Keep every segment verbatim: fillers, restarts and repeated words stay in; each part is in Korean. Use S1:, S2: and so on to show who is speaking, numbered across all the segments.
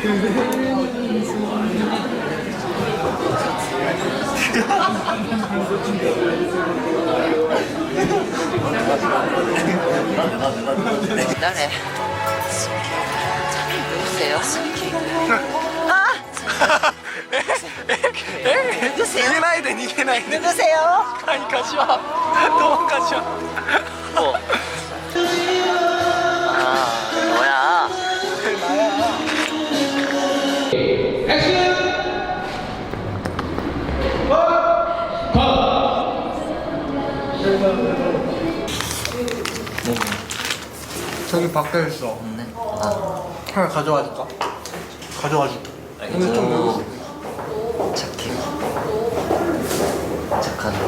S1: 誰누구세요? 아!
S2: 逃げないで逃げないで
S1: 누구세요?
S2: はい柏どうも柏
S1: 뭐? 아, 뭐야?
S2: 저기 밖에 있어.
S1: 없네. 아,
S2: 하나 가져와 줄까? 가져와 줄게. 근데 좀
S1: 오,
S2: 늦었어.
S1: 착해. 착하네.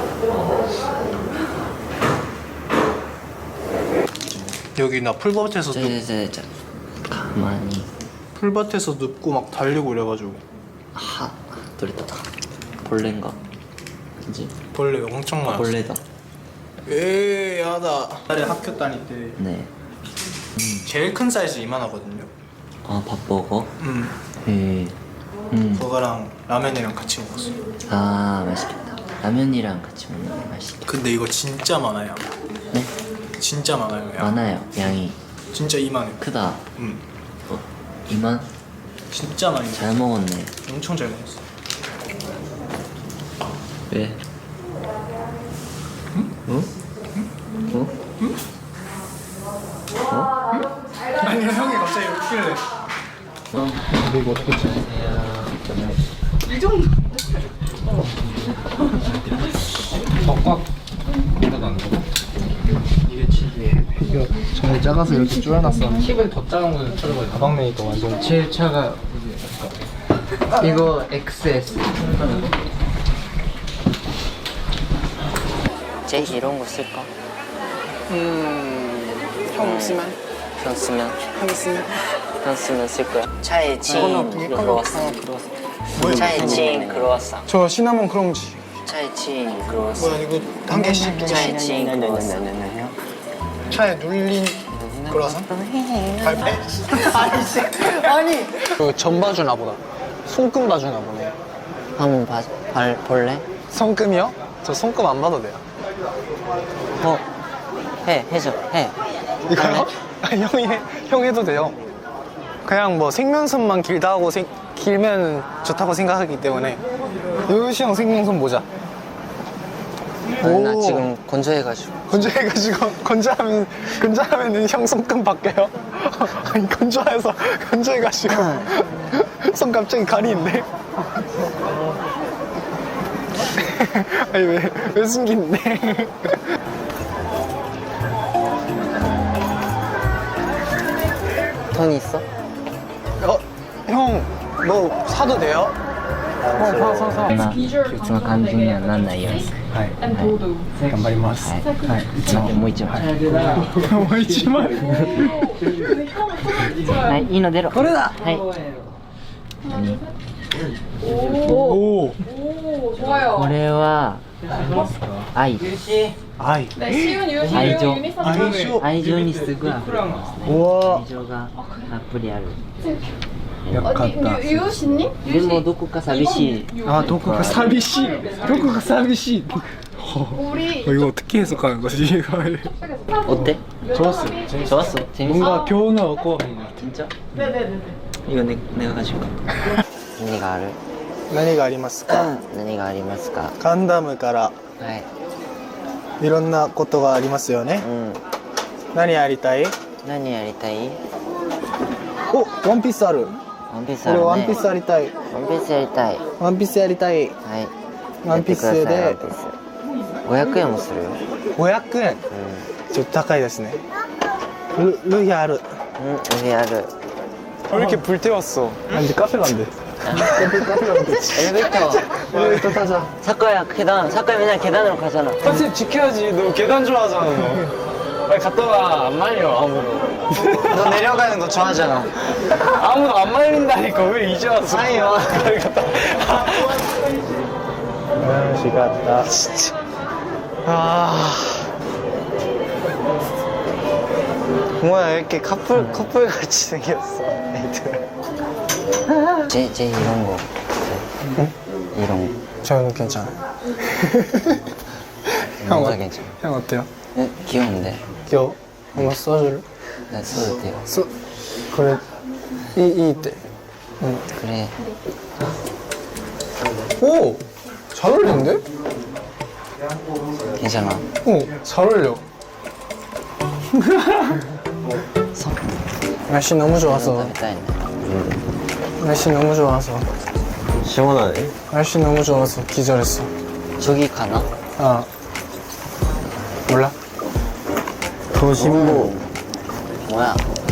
S2: 여기 나 풀밭에서 눕,
S1: 저저저 가만히.
S2: 풀밭에서 눕고 막 달리고 이래가지고
S1: 하, 돌렸다. 벌레인가? 그지?
S2: 벌레 엄청 많아.
S1: 벌레다.
S2: 에이 야다. 옛날에 학교 다닐 때
S1: 네.
S2: 제일 큰 사이즈 이만하거든요.
S1: 아, 밥버거?
S2: 음.
S1: 예. 음.
S2: 그거랑 라면이랑 같이 먹었어.
S1: 아, 맛있겠다. 라면이랑 같이 먹는 게 맛있겠다.
S2: 근데 이거 진짜 많아요.
S1: 네?
S2: 진짜 많아요. 양.
S1: 많아요, 양이.
S2: 진짜 이만해.
S1: 크다.
S2: 음.
S1: 어, 이만?
S2: 진짜 많이.
S1: 잘 먹었네.
S2: 엄청 잘 먹었어.
S1: 왜? 응? 어? 어?
S2: 아니 형이 갑자기 웃길래.
S1: 어?
S2: 근데 이거 어떻게 치?
S3: 이 정도.
S2: 꽉꽉. 이게 치즈에 이거 정말 작아서 이렇게 쪼여놨어. 팁은 더 작은 거는 쳐줘봐요. 가방내니까 완전 제일 차가 이거 엑스에스.
S1: 쟤 이런 거 쓸까?
S3: 음. 형 쓰면?
S1: 편 쓰면?
S3: 형 쓰면?
S1: 편 쓰면 쓸 거야. 차에 친 크로와상.
S2: 뭐야?
S1: 차에 친 크로와상.
S2: 저 시나몬 크런치.
S1: 차에 친 크로와상.
S2: 뭐야 이거 한 개씩
S1: 차에 친 크로와상.
S2: 차에 눌린 크로와상? 갈배? 아니지. 아니. 그 전봐주나 보다. 손금 봐주나 보네.
S1: 한번 봐, 발, 볼래?
S2: 손금이요? 저 손금 안 봐도 돼요.
S1: 어, 해, 해줘, 해.
S2: 이거요? 아니, 형이 해, 형 해도 돼요. 그냥 뭐 생명선만 길다 하고 생, 길면 좋다고 생각하기 때문에. 요시 형 생명선 보자.
S1: 아니, 나
S2: 오.
S1: 지금 건조해가지고.
S2: 건조해가지고 건조하면 건조하면은 형 손금 바뀌어요. 아니 건조해서 건조해가지고 손 갑자기 가리는데. 아니 왜 왜 숨기는데?
S1: 돈 있어?
S2: 어, 형 뭐 사도 돼요? 어, 사, 사, 사.
S1: まあ、いつも肝心にはなんないように。
S2: はい。
S1: はい。
S2: 頑張ります。
S1: はい。はい。待って、もう一枚。
S2: もう一枚。
S1: はい、いいの出ろ。これだ。はい。何？
S2: 오.
S3: 오, 좋아요.
S1: これは愛。
S2: 아이.
S3: 네, 쉬운 유시
S1: 아이죠.
S3: 유니선
S2: 아이죠.
S1: 愛情にすぐ溢れてますね。
S2: 우와.
S1: 愛情がたっぷりある。
S3: 어디 유, 유시님?
S1: でもどこか寂しい。
S2: 아, 도쿠가 사비시. 도쿠가 사비시.
S3: 우리
S2: 어, 이거 어떻게 해석하는 거지? 이거
S1: 어때?
S2: 좋았어요.
S1: 좋았어. 재밌어.
S2: 뭔가 교훈을 얻고.
S1: 진짜?
S3: 네네네.
S1: 이거 내, 내가 가질까?何がある?
S2: 何がありますか?
S1: 何がありますか?
S2: ガンダムから
S1: はい。
S2: いろんなことがありますよね。
S1: うん。
S2: 何やりたい?
S1: 何やりたい?
S2: お、ワンピースある。
S1: ワンピースあるね。
S2: 俺ワンピースやりたい。
S1: ワンピースやりたい。
S2: ワンピースやりたい。
S1: はい。
S2: ワンピースで
S1: やってくださいワンピースごひゃくえんもするよ。
S2: ごひゃくえん。
S1: う
S2: ちょっと高いですね。ルルヒある。
S1: ん。うん、上ある。
S2: 왜 이렇게 불태웠어? 아, 이제 카페 간대.
S1: 엘리베이터.
S2: 엘리베이터 타자.
S1: 사과야 계단. 사과야 맨날 계단으로 가잖아.
S2: 컨셉 지켜야지. 너 계단 좋아하잖아, 너. 빨리 갔다 와. 안 말려, 아무도.
S1: 너 내려가는 거 좋아하잖아.
S2: 아무도 안 말린다니까. 왜 이제 와서.
S1: 아니요.
S2: 빨리 갔다 와. 아, 시갔다. 진짜. 아. 뭐야, 이렇게 커플, 커플 같이 생겼어. 애들.
S4: 제, 제 이런 거.
S2: 응?
S4: 이런 거.
S2: 저는 괜찮아요. 형,
S4: 뭔가
S2: 어-
S4: 괜찮아.
S2: 형 어때요?
S4: 네, 귀여운데.
S2: 귀여워? 한번 써줄래?
S4: 나 써도 돼요.
S2: 써. 그래. 이, 이 때. 응.
S4: 그래.
S2: 오! 잘 어울리는데?
S4: 괜찮아.
S2: 오, 잘 어울려.
S4: 서.
S2: 날씨 너무 좋아서. 날씨 너무 좋아서.
S5: 시원하네.
S2: 날씨 너무 좋아서 기절했어.
S4: 저기 가나?
S2: 아. 몰라?
S5: 도심보.
S4: 뭐야?